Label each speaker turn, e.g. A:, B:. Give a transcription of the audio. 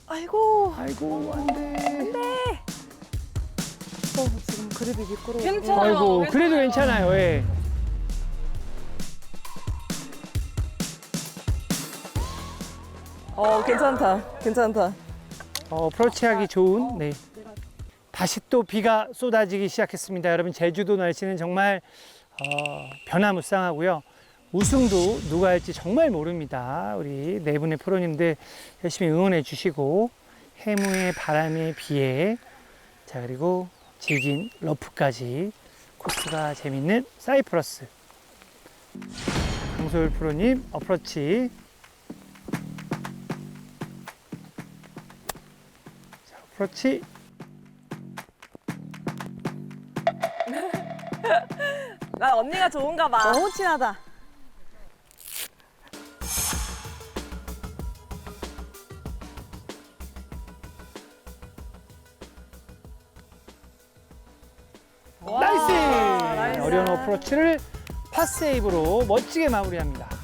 A: 아이고.
B: 아이고, 안 돼.
A: 지금 그립이 미끄러워.
C: 괜찮아요.
B: 아이고,
C: 괜찮아요.
B: 그래도 괜찮아요. 예.
A: 괜찮다. 괜찮다.
B: 프로치하기 좋은, 네. 다시 또 비가 쏟아지기 시작했습니다. 여러분, 제주도 날씨는 정말 변화무쌍하고요. 우승도 누가 할지 정말 모릅니다. 우리 네 분의 프로님들 열심히 응원해 주시고, 해무의 바람에 비에, 자, 그리고 질긴 러프까지 코스가 재밌는 사이프러스. 강소율 프로님 어프로치. 자, 어프로치.
A: 나 언니가 좋은가 봐. 너무 친하다.
B: 나이스! 어려운 어프로치를 파세이브로 멋지게 마무리합니다.